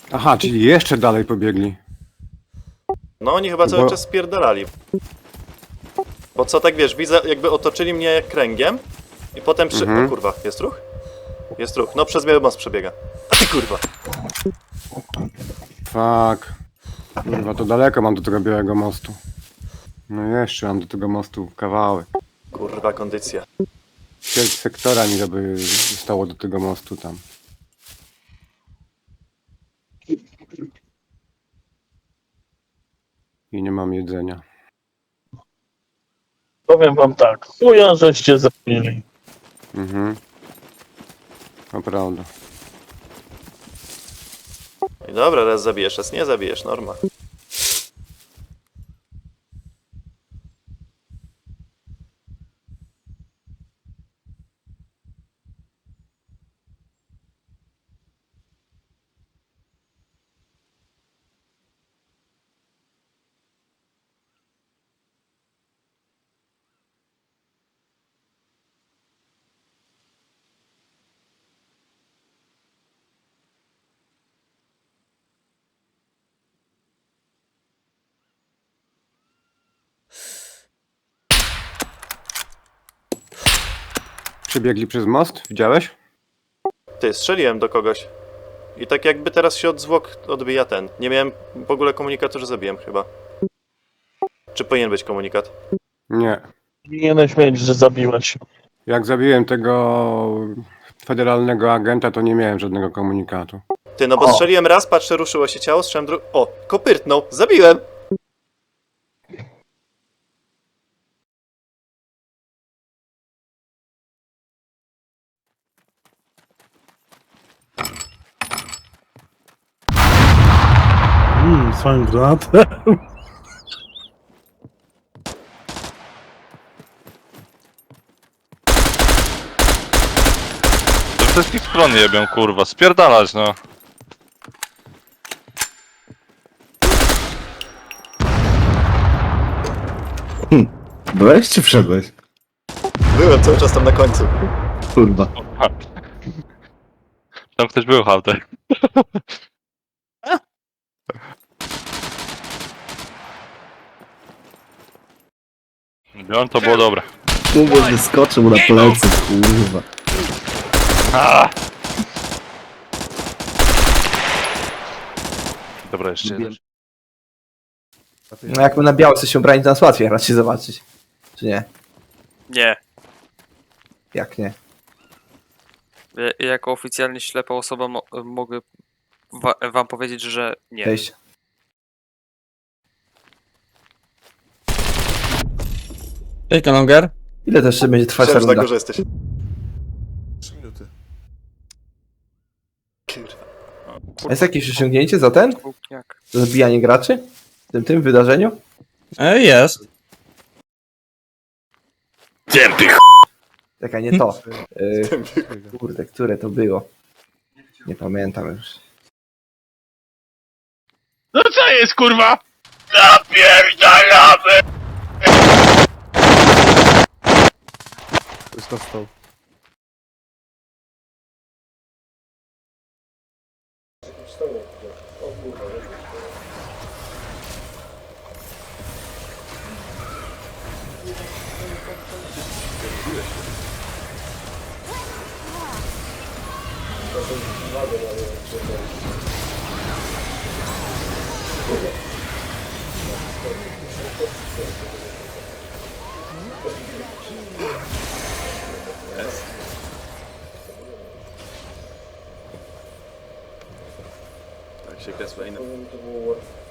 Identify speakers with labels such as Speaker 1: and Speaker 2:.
Speaker 1: Aha, czyli jeszcze dalej pobiegli.
Speaker 2: No oni chyba cały
Speaker 1: Bo-
Speaker 2: czas spierdalali. Bo co tak wiesz, widzę jakby otoczyli mnie kręgiem i potem O kurwa, jest ruch? Jest ruch, no przez biały most przebiega. A ty kurwa!
Speaker 1: Fuck. Kurwa, to daleko mam do tego Białego Mostu. No jeszcze mam do tego mostu kawałek.
Speaker 2: Kurwa kondycja.
Speaker 1: Ćwierć sektora mi by zostało do tego mostu tam. I nie mam jedzenia.
Speaker 3: Powiem wam tak, chuja żeście zabili.
Speaker 1: Mhm. To prawda.
Speaker 2: I dobra, raz zabijesz, raz nie zabijesz, norma.
Speaker 1: Przebiegli przez most? Widziałeś?
Speaker 2: Ty, strzeliłem do kogoś. I tak jakby teraz się od zwłok odbija ten. Nie miałem w ogóle komunikatu, że zabiłem chyba. Czy powinien być komunikat?
Speaker 1: Nie.
Speaker 3: Powinieneś mieć, że zabiłeś.
Speaker 1: Jak zabiłem tego federalnego agenta, to nie miałem żadnego komunikatu.
Speaker 2: Ty, no bo strzeliłem raz, patrzę, ruszyło się ciało, strzeliłem drugi... O, kopyrtnął, zabiłem!
Speaker 3: Swoim granatem.
Speaker 4: To ze wszystkich stron jebią, kurwa, spierdalać, no.
Speaker 5: Byłeś czy wszedłeś?
Speaker 2: Byłem cały czas tam na końcu.
Speaker 5: Kurwa.
Speaker 4: Tam ktoś był, Hałtek. Biorąc to było dobre.
Speaker 5: Kurwa, wyskoczył mu na plecy, kurwa.
Speaker 4: Ah! Dobra, jeszcze jeden.
Speaker 6: No jak my na białce się brać, to nas łatwiej raczej zobaczyć. Czy nie?
Speaker 7: Nie.
Speaker 6: Jak nie?
Speaker 7: Jako oficjalnie ślepa osoba mogę wam powiedzieć, że nie.
Speaker 6: Cześć.
Speaker 8: Cześć, Kanonger.
Speaker 6: Ile to jeszcze będzie trwać ta
Speaker 2: Myślałem, że na
Speaker 6: runda?
Speaker 2: górze jesteś. 3 minuty. Kurwa.
Speaker 6: Jest jakieś osiągnięcie za ten?
Speaker 7: Gówniak.
Speaker 6: Za zabijanie graczy? W tym wydarzeniu?
Speaker 8: Jest.
Speaker 6: Czekaj, nie to. Kurde, które to było? Nie pamiętam już.
Speaker 4: No co jest, kurwa? Napierdalamy!
Speaker 5: Już dostał.
Speaker 2: Tak się kresła inna.